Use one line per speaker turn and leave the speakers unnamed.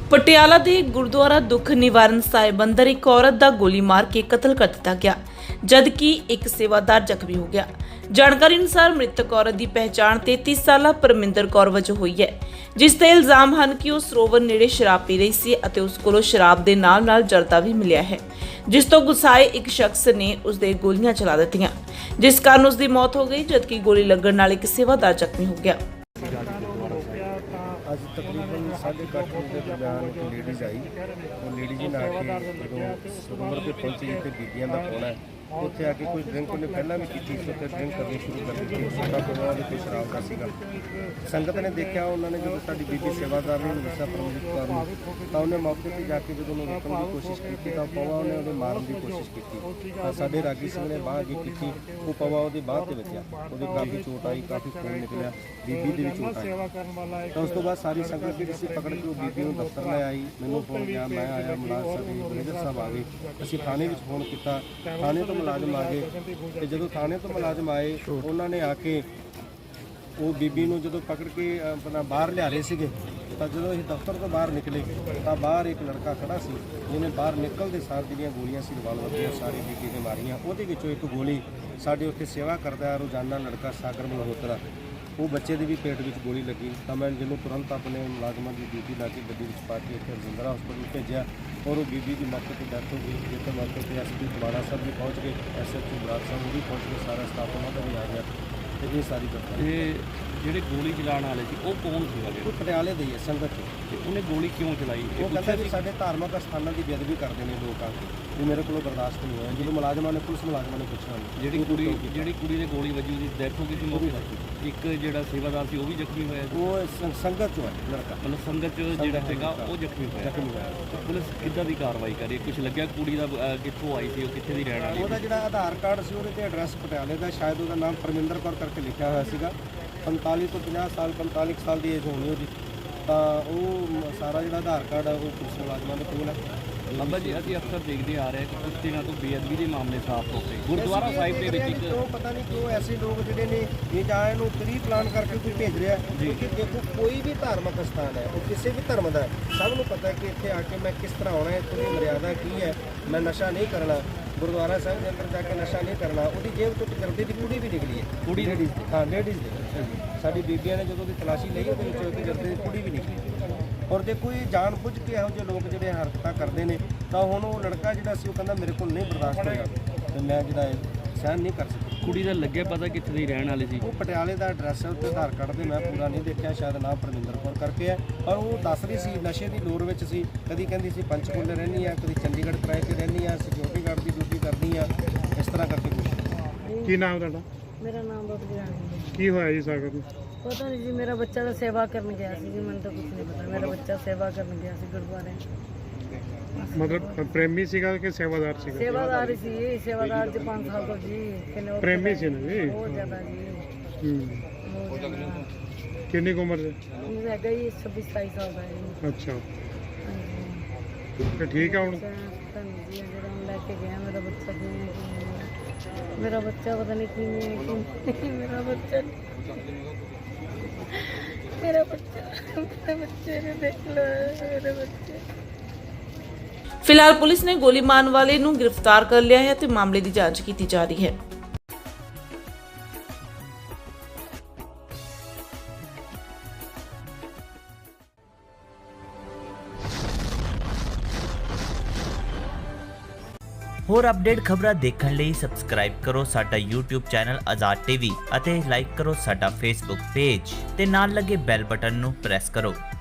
ਪਟਿਆਲਾ ਦੇ ਗੁਰਦੁਆਰਾ ਦੁੱਖ ਨਿਵਾਰਨ ਸਾਹਿਬ ਅੰਦਰ ਇੱਕ ਔਰਤ ਦਾ ਗੋਲੀ ਮਾਰ ਕੇ ਕਤਲ ਕਰ ਦਿੱਤਾ ਗਿਆ, ਜਦਕਿ ਇੱਕ ਸੇਵਾਦਾਰ ਜ਼ਖਮੀ ਹੋ ਗਿਆ। ਜਾਣਕਾਰੀ ਅਨੁਸਾਰ ਮ੍ਰਿਤਕ ਔਰਤ ਦੀ ਪਹਿਚਾਣ 33 ਸਾਲਾ ਪਰਮਿੰਦਰ ਕੌਰ ਵਜੋਂ ਹੋਈ ਹੈ, ਜਿਸ ਤੇ ਇਲਜ਼ਾਮ ਹਨ ਕਿ ਉਹ ਸਰੋਵਰ ਨੇੜੇ ਸ਼ਰਾਬ ਪੀ ਰਹੀ ਸੀ ਅਤੇ ਉਸ ਕੋਲੋਂ ਸ਼ਰਾਬ ਦੇ ਨਾਲ ਜਰਦਾ ਵੀ ਮਿਲਿਆ ਹੈ, ਜਿਸ ਤੋਂ ਗੁੱਸਾਏ ਇੱਕ ਸ਼ਖਸ ਨੇ ਉਸ ਦੇ ਗੋਲੀਆਂ ਚਲਾ ਦਿੱਤੀਆਂ, ਜਿਸ ਕਾਰਨ ਉਸ ਦੀ ਮੌਤ ਹੋ ਗਈ, ਜਦਕਿ ਗੋਲੀ ਲੱਗਣ ਨਾਲ ਇੱਕ ਸੇਵਾਦਾਰ ਜ਼ਖਮੀ ਹੋ ਗਿਆ।
ਅੱਜ ਤਕਰੀਬਨ 8:30 ਵਜੇ ਦੇ ਦਰਮਿਆਨ ਇੱਕ ਲੇਡੀਜ਼ ਆਈ। ਉਹ ਲੇਡੀ ਜੀ ਨਾਲ ਕੇ ਜਦੋਂ ਸਰੋਵਰ ਤੇ ਪਹੁੰਚੀ ਤੇ ਬੀਬੀਆਂ ਦਾ ਕੋਣਾ ਉੱਥੇ ਆ ਕੇ ਕੋਈ ਡਰਿੰਕ ਉਹਨੇ ਪਹਿਲਾਂ ਵੀ ਕੀਤੀ ਸੀ, ਉੱਥੇ ਡਰਿੰਕ ਕਰਨੀ ਸ਼ੁਰੂ ਕਰ ਦਿੱਤੀ। ਸਾਡਾ ਪਰਿਵਾਰ ਦੇ ਕੋਈ ਸ਼ਰਾਬ ਦਾ ਸੀਗਾ। ਸੰਗਤ ਨੇ ਦੇਖਿਆ, ਉਹਨਾਂ ਨੇ ਜਦੋਂ ਸਾਡੀ ਬੀਬੀ ਸੇਵਾਦਾਰ ਨੂੰ ਦੱਸਿਆ ਪਰਮਜੀਤ ਕੌਰ ਨੂੰ, ਤਾਂ ਉਹਨੇ ਮੌਕੇ 'ਤੇ ਜਾ ਕੇ ਜਦੋਂ ਉਹਨੂੰ ਰੋਕਣ ਦੀ ਕੋਸ਼ਿਸ਼ ਕੀਤੀ ਤਾਂ ਪਵਾ ਉਹਨੇ ਉਹਦੇ ਮਾਰਨ ਦੀ ਕੋਸ਼ਿਸ਼ ਕੀਤੀ। ਤਾਂ ਸਾਡੇ ਰਾਗੀ ਸਿੰਘ ਨੇ ਬਾਂਹ ਅੱਗੇ ਕੀਤੀ, ਉਹ ਪਵਾ ਉਹਦੀ ਬਾਂਹ 'ਤੇ ਵੱਜਿਆ, ਉਹਦੀ ਕਾਫੀ ਚੋਟ ਆਈ, ਕਾਫੀ ਖੂਨ ਨਿਕਲਿਆ, ਬੀਬੀ ਦੀ ਵੀ ਚੋਟ ਆਈ। ਤਾਂ ਉਸ ਤੋਂ ਬਾਅਦ ਸਾਰੀ ਸੰਗਤ ਜਿਹੜੀ ਸੀ ਪਕੜ ਕੇ ਉਹ ਬੀਬੀ ਨੂੰ ਦਫ਼ਤਰ ਲੈ ਆਈ। ਮੈਨੂੰ ਫੋਨ ਗਿਆ, ਮੈਂ ਆਇਆ, ਮੁਲਾਜ਼ਮ ਸਾਡੇ ਮੈਨੇਜਰ ਸਾਹਿਬ ਆ ਗਏ। ਅਸੀਂ ਥਾਣੇ ਵਿੱਚ ਫੋਨ ਕੀਤਾ, ਥਾਣੇ ਤੋਂ ਮੁਲਾਜ਼ਮ ਆ ਗਏ ਤੇ ਜਦੋਂ ਥਾਣੇ ਤੋਂ ਮੁਲਾਜ਼ਮ ਆਏ ਉਹਨਾਂ ਨੇ ਆ ਕੇ ਉਹ ਬੀਬੀ ਨੂੰ ਜਦੋਂ ਪਕੜ ਕੇ ਆਪਣਾ ਬਾਹਰ ਲਿਆ ਰਹੇ ਸੀਗੇ, ਤਾਂ ਜਦੋਂ ਅਸੀਂ ਦਫ਼ਤਰ ਤੋਂ ਬਾਹਰ ਨਿਕਲੇ ਤਾਂ ਬਾਹਰ ਇੱਕ ਲੜਕਾ ਖੜਾ ਸੀ, ਜਿਹਨੇ ਬਾਹਰ ਨਿਕਲਦੇ ਸਾਰ ਜਿਹੜੀਆਂ ਗੋਲੀਆਂ ਸੀ ਰਿਵਾਲਵਰ ਦੀਆਂ ਸਾਰੀ ਬੀਬੀ ਦੇ ਮਾਰੀਆਂ। ਉਹਦੇ ਵਿੱਚੋਂ ਇੱਕ ਗੋਲੀ ਸਾਡੇ ਉੱਥੇ ਸੇਵਾ ਕਰਦਾ ਰੋਜ਼ਾਨਾ ਲੜਕਾ ਸਾਗਰ ਮਲਹੋਤਰਾ, ਉਹ ਬੱਚੇ ਦੇ ਵੀ ਪੇਟ ਵਿੱਚ ਗੋਲੀ ਲੱਗੀ। ਤਾਂ ਮੈਂ ਜਿਹਨੂੰ ਤੁਰੰਤ ਆਪਣੇ ਮੁਲਾਜ਼ਮਾਂ ਦੀ ਡਿਊਟੀ ਲਾ ਕੇ ਗੱਡੀ ਵਿੱਚ ਪਾ ਕੇ ਇੱਥੇ ਰਜਿੰਦਰਾ ਹਸਪਤਾਲ ਭੇਜਿਆ ਔਰ ਉਹ ਬੀਬੀ ਦੀ ਮੌਕੇ 'ਤੇ ਡੈਥ ਹੋ ਗਈ। ਜਿੱਥੇ ਮੌਕੇ 'ਤੇ ਐਸਪੀ ਕੁਮਾਰਾ ਸਾਹਿਬ ਵੀ ਪਹੁੰਚ ਗਏ, ਐਸਐਚਓ ਬਰਾੜ ਸਾਹਿਬ ਉਹ ਵੀ ਪਹੁੰਚ ਗਏ, ਸਾਰਾ ਸਟਾਫ ਉਹਨਾਂ ਦਾ ਵੀ ਆ ਗਿਆ ਤੇ ਇਹ ਸਾਰੀ ਘਟਨਾ।
ਇਹ ਜਿਹੜੇ ਗੋਲੀ ਚਲਾਉਣ ਵਾਲੇ ਸੀ ਉਹ ਕੌਣ ਸੀਗਾ?
ਉਹ ਪਟਿਆਲੇ ਦੇ ਹੀ ਹੈ ਸੰਗਤ 'ਚ।
ਤੇ ਉਹਨੇ ਗੋਲੀ ਕਿਉਂ ਚਲਾਈ?
ਉਹ ਕਹਿੰਦਾ ਵੀ ਸਾਡੇ ਧਾਰਮਿਕ ਸਥਾਨਾਂ ਦੀ ਬੇਅਦਬੀ ਕਰਦੇ ਨੇ ਲੋਕ ਆ ਕੇ, ਵੀ ਮੇਰੇ ਕੋਲੋਂ ਬਰਦਾਸ਼ਤ ਨਹੀਂ ਹੋਇਆ। ਜਦੋਂ ਮੁਲਾਜ਼ਮਾਂ ਨੇ ਪੁਲਿਸ ਮੁਲਾਜ਼ਮਾਂ ਨੇ ਪੁੱਛਿਆ
ਜਿਹੜੀ ਕੁੜੀ ਦੇ ਗੋਲੀ ਵੱਜੀ ਉਹਦੀ ਡੈਥ ਹੋ ਗਈ ਸੀ ਮੌਕੇ 'ਤੇ। ਇੱਕ ਜਿਹੜਾ ਸੇਵਾਦਾਰ ਸੀ ਉਹ ਵੀ ਜ਼ਖਮੀ ਹੋਇਆ ਸੀ।
ਉਹ ਸੰਗਤ 'ਚੋਂ ਹੈ ਲੜਕਾ,
ਮਤਲਬ ਸੰਗਤ 'ਚ ਜਿਹੜਾ ਸੀਗਾ ਉਹ ਜ਼ਖਮੀ ਹੋਇਆ। ਤੇ ਪੁਲਿਸ ਕਿੱਦਾਂ ਦੀ ਕਾਰਵਾਈ ਕਰੀ? ਕੁਝ ਲੱਗਿਆ ਕੁੜੀ ਦਾ ਕਿੱਥੋਂ ਆਈ ਸੀ, ਉਹ ਕਿੱਥੇ ਦੀ ਰਹਿਣ ਵਾਲੀ?
ਉਹਦਾ ਜਿਹੜਾ ਆਧਾਰ ਕਾਰਡ ਸੀ ਉਹਦੇ ਤੇ ਐਡਰੈਸ ਪਟਿਆਲੇ ਦਾ, ਸ਼ਾਇਦ ਉਹਦਾ ਨਾਮ ਪਰਮਿੰਦਰ ਕੌਰ ਕਰਕੇ ਲਿਖਿਆ ਹੋਇਆ ਸੀਗਾ। 45 ਤੋਂ 50 ਸਾਲ, 45 ਸਾਲ ਦੀ ਏਜ ਹੋਣੀ ਉਹਦੀ। ਤਾਂ ਉਹ ਸਾਰਾ ਜਿਹੜਾ ਆਧਾਰ ਕਾਰਡ ਆ ਉਹ ਪੁਲਿਸ ਮੁਲਾਜ਼ਮਾਂ ਦੇ ਕੋਲ ਹੈ।
ਬਾਬਾ ਜੀ ਅਸੀਂ ਅਕਸਰ ਦੇਖਦੇ ਆ ਰਹੇ ਕਿ ਕੁਝ ਦਿਨਾਂ ਤੋਂ ਬੇਅਦਬੀ ਦੇ ਮਾਮਲੇ ਸਾਫ਼ ਹੋ ਗਏ ਗੁਰਦੁਆਰਾ ਸਾਹਿਬ ਦੇ ਵਿੱਚ। ਇੱਕ
ਪਤਾ ਨਹੀਂ ਕਿਉਂ ਐਸੇ ਲੋਕ ਜਿਹੜੇ ਨੇ ਇਹ ਜਾਂ ਇਹਨੂੰ ਪ੍ਰੀ ਪਲਾਨ ਕਰਕੇ ਕੋਈ ਭੇਜ ਰਿਹਾ। ਕਿਉਂਕਿ ਦੇਖੋ ਕੋਈ ਵੀ ਧਾਰਮਿਕ ਸਥਾਨ ਹੈ, ਉਹ ਕਿਸੇ ਵੀ ਧਰਮ ਦਾ, ਸਭ ਨੂੰ ਪਤਾ ਕਿ ਇੱਥੇ ਆ ਕੇ ਮੈਂ ਕਿਸ ਤਰ੍ਹਾਂ ਆਉਣਾ, ਇੱਥੋਂ ਦੀ ਮਰਿਆਦਾ ਕੀ ਹੈ, ਮੈਂ ਨਸ਼ਾ ਨਹੀਂ ਕਰਨਾ, ਗੁਰਦੁਆਰਾ ਸਾਹਿਬ ਦੇ ਅੰਦਰ ਜਾ ਕੇ ਨਸ਼ਾ ਨਹੀਂ ਕਰਨਾ। ਉਹਦੀ ਜੇਬ ਤੋਂ ਜਰਦੇ ਦੀ ਕੁੜੀ ਵੀ ਨਿਕਲੀ ਹੈ, ਕੁੜੀ ਲੇਡੀਜ਼ ਦੀ, ਹਾਂ ਲੇਡੀਜ਼ ਦੀ। ਸਾਡੀ ਬੀਬੀਆਂ ਨੇ ਜਦੋਂ ਦੀ ਤਲਾਸ਼ੀ ਲਈ ਉਹਦੇ ਵਿੱਚ ਜਰਦੇ ਦੀ ਕੁੜੀ ਵੀ ਨਿਕਲੀ। ਔਰ ਜੇ ਕੋਈ ਜਾਣ ਬੁੱਝ ਕੇ ਇਹੋ ਜਿਹੇ ਲੋਕ ਜਿਹੜੇ ਹਰਕਤਾਂ ਕਰਦੇ ਨੇ, ਤਾਂ ਹੁਣ ਉਹ ਲੜਕਾ ਜਿਹੜਾ ਸੀ ਉਹ ਕਹਿੰਦਾ ਮੇਰੇ ਕੋਲ ਨਹੀਂ ਬਰਦਾਸ਼ਤ ਹੋਇਆ ਤੇ ਮੈਂ ਜਿਹੜਾ ਸਹਿਣ ਨਹੀਂ ਕਰ ਸਕਦਾ।
ਕੁੜੀ ਦਾ ਲੱਗਿਆ ਪਤਾ ਕਿੱਥੇ ਦੀ ਰਹਿਣ ਵਾਲੀ ਸੀ?
ਉਹ ਪਟਿਆਲੇ ਦਾ ਐਡਰੈਸ ਹੈ, ਉੱਤੇ ਆਧਾਰ ਕਾਰਡ ਦੇ ਮੈਂ ਪੂਰਾ ਨਹੀਂ ਦੇਖਿਆ, ਸ਼ਾਇਦ ਨਾਮ ਪਰਮਿੰਦਰ ਕੌਰ ਕਰਕੇ ਹੈ। ਔਰ ਉਹ ਦੱਸ ਰਹੀ ਸੀ ਨਸ਼ੇ ਦੀ ਲੋੜ ਵਿੱਚ ਸੀ, ਕਦੀ ਕਹਿੰਦੀ ਸੀ ਪੰਚਕੂਲੇ ਰਹਿੰਦੀ ਆ, ਕਦੀ ਚੰਡੀਗੜ੍ਹ ਕਿਰਾਏ 'ਤੇ ਰਹਿੰਦੀ ਆ, ਸਿਕਿਉਰਿਟੀ ਗਾਰਡ ਦੀ ਡਿਊਟੀ ਕਰਦੀ ਆ, ਇਸ ਤਰ੍ਹਾਂ ਕਰਕੇ ਕੁਛ।
ਕੀ ਨਾਮ ਤੁਹਾਡਾ?
ਮੇਰਾ ਨਾਮ ਬਬਲੀ ਰਾਣੀ ਹੈ।
ਕੀ ਹੋਇਆ ਜੀ ਸਾਗਰ ਨੂੰ?
ਪਤਾ ਨਹੀਂ ਜੀ, ਮੇਰਾ ਬੱਚਾ ਤਾਂ ਸੇਵਾ ਕਰਨ ਗਿਆ ਸੀ ਜੀ, ਮੈਨੂੰ ਤਾਂ ਕੁਝ ਨਹੀਂ ਪਤਾ। ਮੇਰਾ ਬੱਚਾ ਸੇਵਾ ਕਰਨ ਗਿਆ ਸੀ ਗੁਰਦੁਆਰੇ।
ਮਤਲਬ ਪ੍ਰੇਮੀ ਸੀਗਾ ਕਿ ਸੇਵਾਦਾਰ ਸੀਗਾ?
ਸੇਵਾਦਾਰ ਹੀ ਸੀ, ਸੇਵਾਦਾਰ ਜੀ 5 ਸਾਲ ਤੋਂ ਜੀ। ਕਿੰਨੇ
ਪ੍ਰੇਮੀ ਸੀ ਨਾ ਜੀ?
ਬਹੁਤ ਜ਼ਿਆਦਾ ਜੀ। ਬਹੁਤ ਜ਼ਿਆਦਾ।
ਕਿੰਨੀ ਕੁ ਉਮਰ ਦੇ?
ਮੈਨੂੰ ਹੈਗਾ ਜੀ 26-27 ਸਾਲ ਦਾ ਜੀ।
ਅੱਛਾ,
ਹਾਂਜੀ।
ਤੇ ਠੀਕ ਆ ਹੁਣ?
ਪਤਾ ਨਹੀਂ ਜੀ, ਜਿਹੜਾ ਹੁਣ ਲੈ ਕੇ ਗਿਆ ਮੇਰਾ ਬੱਚਾ ਕਿਵੇਂ ਮੇਰਾ ਬੱਚਾ ਪਤਾ ਨਹੀਂ ਕਿਵੇਂ ਮੇਰਾ ਬੱਚਾ ਬੱਚੇ ਨੇ ਦੇਖ ਲੋ ਮੇਰੇ ਬੱਚੇ।
ਫਿਲਹਾਲ ਪੁਲਿਸ ਨੇ ਗੋਲੀ ਮਾਰਨ ਵਾਲੇ ਨੂੰ ਗ੍ਰਿਫਤਾਰ ਕਰ ਲਿਆ ਹੈ ਤੇ ਮਾਮਲੇ ਦੀ ਜਾਂਚ ਕੀਤੀ ਜਾ ਰਹੀ ਹੈ।
ਹੋਰ ਅਪਡੇਟ ਖਬਰਾਂ ਦੇਖਣ ਲਈ ਸਬਸਕ੍ਰਾਈਬ ਕਰੋ ਸਾਡਾ YouTube ਚੈਨਲ ਆਜ਼ਾਦ ਟੀਵੀ ਅਤੇ ਲਾਈਕ ਕਰੋ ਸਾਡਾ Facebook ਪੇਜ ਤੇ ਨਾਲ ਲੱਗੇ ਬੈਲ ਬਟਨ ਨੂੰ ਪ੍ਰੈਸ ਕਰੋ।